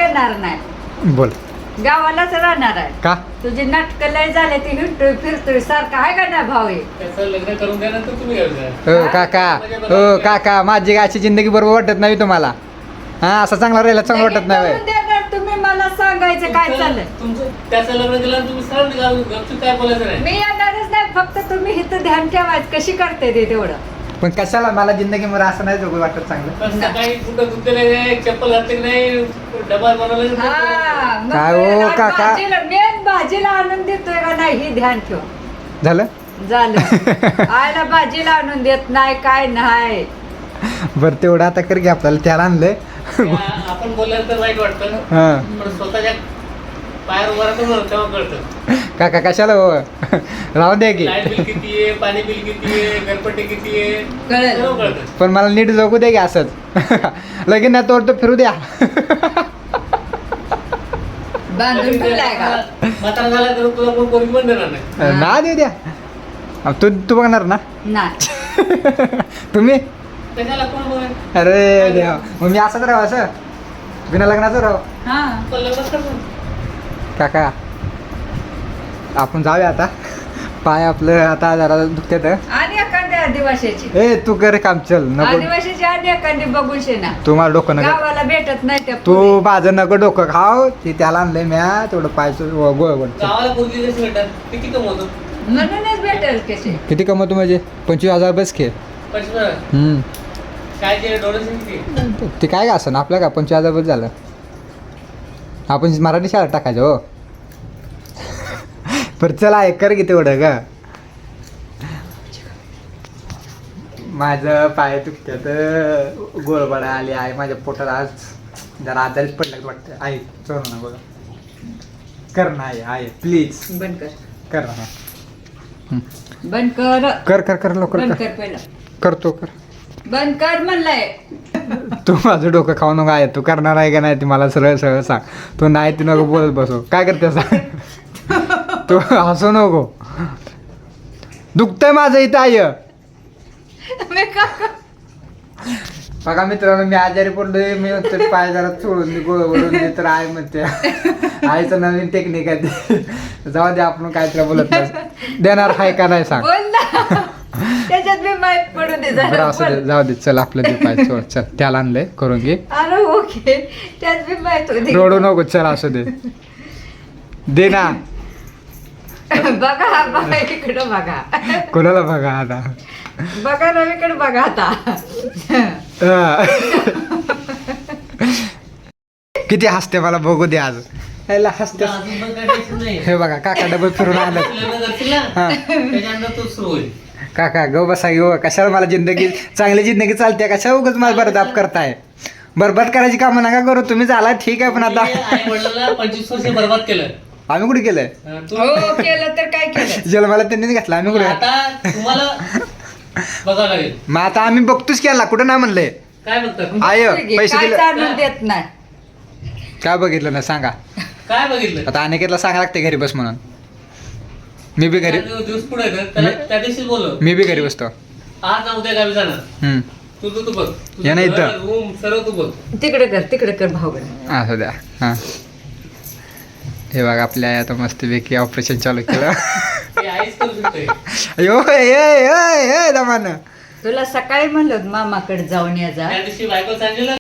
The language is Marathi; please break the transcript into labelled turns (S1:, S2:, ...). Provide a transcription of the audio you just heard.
S1: येणार नाही,
S2: बोल
S1: गावालाच राहणार आहे.
S2: का
S1: तुझी नाटकं लय झाले ती हिंडतोय फिरतोय सारखा आहे का ना भाऊ हे?
S3: त्याचं लग्न करून द्या नंतर तुम्ही घ्यायचं.
S2: हो काका माझी गायची जिंदगी बरोबर वाटत नाही तुम्हाला. हा असं चांगला राहिला चांगलं वाटत नाही
S1: लगेच करून देणार तुम्ही, मला सांगायचं काय चाललंय.
S3: तुमचं त्याचं लग्न केलं तुम्ही सरळ निघा, गपचूप काय बोलायचं नाही.
S1: मी येणारच नाही, फक्त तुम्ही इथं ध्यान ठेवायचं कशी करते ते तेवढं.
S2: पण कशाला मला जिंदगी मध्ये असं नाही जगू वाटत चांगलं.
S3: पण सकाळी कुठं धुतलेलं नाही, चप्पल घातली नाही, डबा बनवला
S1: हा,
S3: नाही.
S1: मग
S2: काय हो,
S1: आणि
S2: काका?
S1: मेन भाजीला आणून देतोय का नाही हे ध्यान ठेव.
S2: झालं
S1: झालं आयला भाजीला आणून देत नाही काय नाही.
S2: बरं तेवढं आता कर घे, आपल्याला त्याला आणलंय.
S3: आपण बोलल्यानंतर वाईट वाटतं,
S2: हा
S3: पण स्वतःच्या पायावर उभं राहतो ना तेव्हा कळतं.
S2: काका कशाला हो राहू द्या की.
S3: लाईट बिल किती आहे, पाणी बिल किती आहे, घरपट्टी किती आहे,
S1: कळलं.
S3: सर्व कळतं.
S2: पण मला नीट जगू द्या की असंच. लगेच नाही तोड तर फिरू द्या.
S1: बांधून ठेवलाय का?
S3: म्हातारा झाला तर तुला कोण पोरगी पण देणार नाही.
S2: ना देऊ द्या. तू तू बघणार ना
S1: नाही.
S2: तुम्ही.
S3: कशाला कोण बघेल?
S2: अरे देवा, मग मी असंच राहू असं बिना लग्नाचं राहू.
S1: हा
S3: पण लग्नच करतो.
S2: काका आपण जाऊया आता. पाय आपलं आता जरा दुखतात.
S1: आणि एखाद्या आदिवासीची
S2: ए तू कर काम चल नको.
S1: आदिवासीची आणि एखादी बघून शेना
S2: तू मला डोकं नका.
S1: गावाला भेटत नाही त्या
S2: तू
S1: पोरी.
S2: माझं नको डोकं खाव. ते त्याला आणलंय म्या तेवढं पायचं गोळ गोळ.
S3: गावाला पोरगी कशी भेटतात, किती कमवतो?
S1: म्हणूनच भेटेल कसे.
S2: किती कमवतो म्हणजे 25,000 बस खे.
S3: 25,000. काय ते डोनेशन किती?
S2: ते काय का असं आपलं का 25,000 बस झालं. आपण मराठी शाळेत टाकायचं हो. बरं चला आहे कर की तेवढं का. माझं पाय दुखत्यात, गोळबडा आली आहे माझ्या पोटात. आज जरा आजारीच पडलं वाटतं. आहे चोर ना बघा. कर ना आहे प्लीज
S1: बंद कर,
S2: कर ना.
S1: बंद कर,
S2: कर कर कर लवकर
S1: बंद
S2: कर.
S1: कर पहिलं,
S2: करतो कर.
S1: बंद कर म्हणलंय.
S2: तू माझं डोकं खाऊ नको. आहे तू करणार आहे का नाही ते मला सरळ सरळ सांग. तू नाही ते नको बोलत बसो. काय करते सांग. तू हसू नको. दुखतंय माझं इथं आहे.
S1: मी का करू?
S2: बघा मित्रांनो मी आजारी पडलोय. मी म्हणते पाय जरा सोडून मी गोळ वळून दे तर आहे म्हणते. आईचं नवीन टेक्निक आहे ते. जाऊ दे आपण काय तुला बोलत नाही. देणार आहे का नाही सांग.
S1: बोल ना, त्याच्यात मी माहित पडू दे
S2: बरं
S1: जरा
S2: असं दे,
S1: बोल.
S2: जाऊ दे चल आपलं दे पाय सोड. चल त्याला आणलंय करून घे.
S1: अरे ओके, त्यात मी माहित होती.
S2: रडू नको चल असं दे. दे ना.
S1: बघा बघा इकडं बघा,
S2: कोणाला बघा आता.
S1: बघा रवीकडे बघा आता.
S2: किती हसते मला बघू दे आज. याला हसते.
S3: अजून पण काय टेन्शन नाही.
S2: हे बघा काका डबल फिरून आलं.
S3: लग्न करशील ना,
S2: हा.
S3: त्याच्यानंतर तू सुरू होईल.
S2: काका गो बसा घेऊ. कशाला मला जिंदगी चांगली जिंदगी चालते. कशा उगाच मला बरदाब करताय. बरबाद करायची कामं नका करू. तुम्ही झाला ठीक आहे पण आता
S3: आई वडिलांना 25 वर्ष बर्बाद केलं.
S2: आम्ही कुठे केलंय.
S3: तू
S1: हो केलं तर काय केलं.
S2: जन्माला त्यांनीच घातला. आम्ही कुठे.
S3: आता तुम्हाला बघावं लागेल.
S2: मग आता आम्ही बघतोच केला. कुठं नाही म्हणलंय.
S3: काय बघतात?
S2: आय पैसे
S1: काय
S2: दिले.
S1: चालून देत नाही.
S2: काय बघितलं ना सांगा.
S3: काय बघितलं?
S2: आता अनेकेतला सांगा लागते घरी बस म्हणून. मी बी घरी
S3: दिवस पुढे येतात, त्याला त्या दिवशी बोललो.
S2: मी बी घरी बसतो.
S3: आज ना उद्या गावी जाणार.
S2: हम्म.
S3: तू बघ.
S2: या ना इथं.
S3: रूम सर्व तू बघ.
S1: तिकडे कर भाऊ.
S2: असं द्या. हां हे बघा आपल्या आता मस्तपैकी ऑपरेशन चालू केलं.
S3: हे आईच करू शकते.
S2: अयो ए दमान.
S1: तुला सकाळी म्हणलं मामाकडे जाऊन या जा.
S3: त्या दिवशी बायको सांगितलं